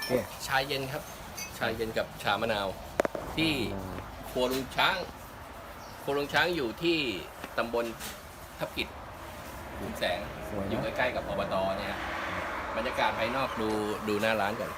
เคชาเย็นครับ ชาเย็นกับชามะนาว ที่ครัวลุงช้างครัวลุงช้างอยู่ที่ตำบลทับกิจหุนแสงสวยอยู่นะใกล้ๆกับอบตเนี่ยฮะบรรยากาศภายนอกดูหน้าร้านก่อน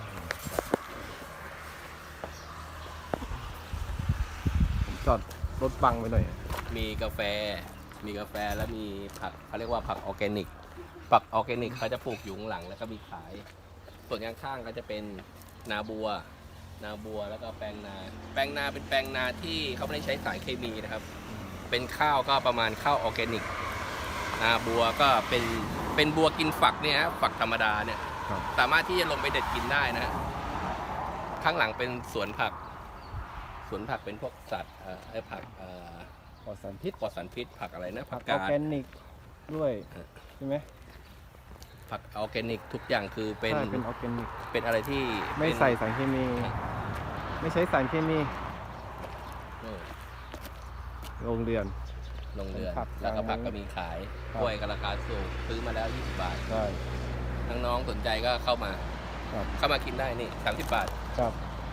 ผมจอดรถบังไปหน่อยมีกาแฟแล้วมีผักเขาเรียกว่าผักออร์แกนิก ผักออร์แกนิกเขาจะปลูกอยู่ข้างหลังแล้วก็มีขาย ส่วนข้างๆก็จะเป็นนาบัวแล้วก็แปลงนาเป็นแปลงนาที่เขาไม่ได้ใช้สารเคมีนะครับ เป็นข้าวก็ประมาณข้าวออร์แกนิก นาบัวก็เป็นบัวกินฝักเนี่ยฮะฝักธรรมดาเนี่ยครับสามารถที่จะลงไปเด็ดกินได้นะฮะข้างหลังเป็นสวนผักเป็นพวกสัตว์ผักปลอดสารพิษปลอดสารพิษผักอะไรนะผัผักกออกาดแกนิกด้วยเออใช่ไหมผักออร์แกนิกทุกอย่างคือเป็นใช่เป็นออร์แกนิกเป็นอะไรที่ไม่เป็นใส่สารเคมี ไม่ใช้สารเคมีเออโรงเรือนลงเรือนผักแล้วก็ผักก็มีขายครับกล้วยก็ราคาสูงซื้อมาแล้ว20 บาทใช่ทั้งน้องสนใจก็เข้ามาครับกินได้นี่30 บาทครับ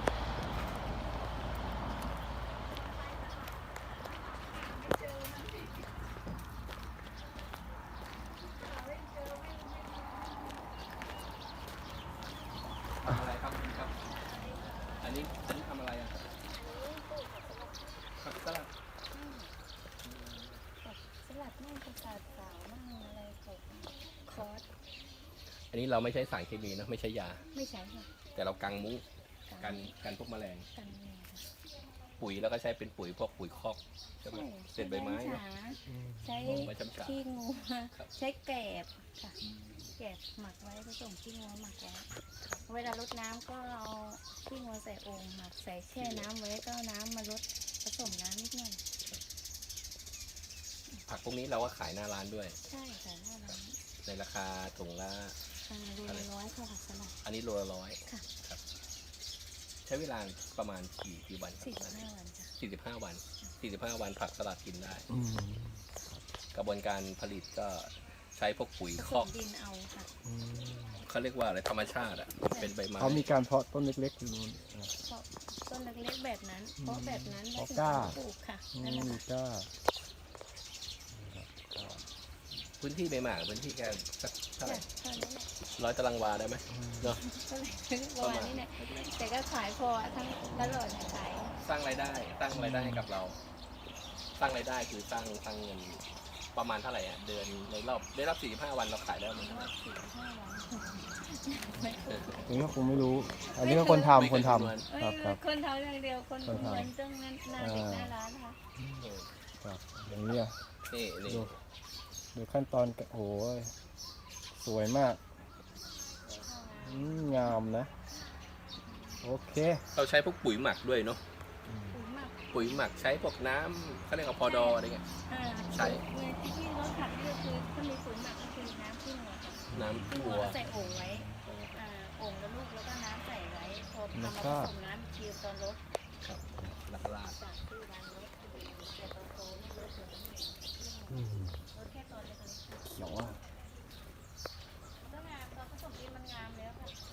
ทำอะไรครับคุณครับ อันนี้ทำอะไรอ่ะผักสลัดสลัดมั่งประสาทสาวมั่งอะไรตกคอร์สอันนี้เราไม่ใช้สารเคมีนะไม่ใช่ยาไม่ใช่ค่ะแต่เรากังมุ้งกันพวกแมลงกันเนี่ยค่ะปุ๋ยแล้วก็ใช้เป็นปุ๋ยพวกปุ๋ยคอกใช่ไหมเศษใบไม้ใช้เนอะใช้ใบช้ำฉาขี้งูครับใช้แกบค่ะแกบหมักไว้ผสมขี้งูหมักไว้เวลารดน้ำก็เอาขี้งูใส่โอ่งหมักใส่แช่น้ำไว้ก็เอาน้ำมารดผสมน้ำนิดหน่อยผักพวกนี้เราก็ขายหน้าร้านด้วยใช่ค่ะหน้าร้านในราคาถุงละรูละร้อยค่ะผักสลัดอันนี้โลละ100 ค่ะครับ ใช้เวลาประมาณกี่วันครับ 45 วันจ้ะ 45 วัน45 วันผักสลัดกินได้อืมกระบวนการผลิตก็ใช้พวกปุ๋ยผคสอกมดินเอาค่ะอืมเขาเรียกว่าอะไรธรรมชาติอ่ะเป็นใบไม้เขามีการเพาะต้นเล็กๆอยู่นู่นเพราะต้นเล็กๆแบบนั้น เพราะแบบนั้นเพราะถึงกล้าปลูกค่ะอืนั่นแหละมค่ะก็พื้นที่ใบหมากพื้นที่แค่สักเท่าไหร่เท่านั้นแหละ 100 ตารางวาได้ไหมเนาะก็เลยประมาณนี้เนี่ยแต่ก็ขายพอทั้งตลอดขายสร้างรายได้ให้กับเรา สร้างรายได้คือสร้างเงินประมาณเท่าไหร่อ่ะเดือนในรอบได้รับ45 วันเราขายได้ประมันเท่าไหร่อันนี้ก็คงไม่รู้ อันนี้ก็คนทำคนทำครับครับคนทำอย่างเดียวคนคนทำเงินต้องนั้นหน้าเด็กหน้าร้านค่ะเออครับอย่างนี้อ่ะนี่ดูขั้นตอนโอ้โหสวยมากงามนะ โอเคเราใช้พวกปุ๋ยหมักด้วยเนาะปุ๋ยหมักปุ๋ยหมักใช้พวกน้ำเขาเรียกว่าพอดออะไรเงี้ย ใช่ที่รถขัดก็คือถ้ามีปุ๋ยหมักก็คือน้ำขี้งัวค่ะน้ำขี้วังัววใส่โอ่งไว้โอ่งแล้วลูกแล้วก็น้ำใส่ไว้พอทำมาผสมน้ำคิวตอนรถครับลักลาดจากที่ร้านรถแต่ตอนโตไม่รถเหมือนรถแค่ตอนเล็กเขียวอ่ะๆก็งามตอนผสมดินมันงามแล้วค่ะ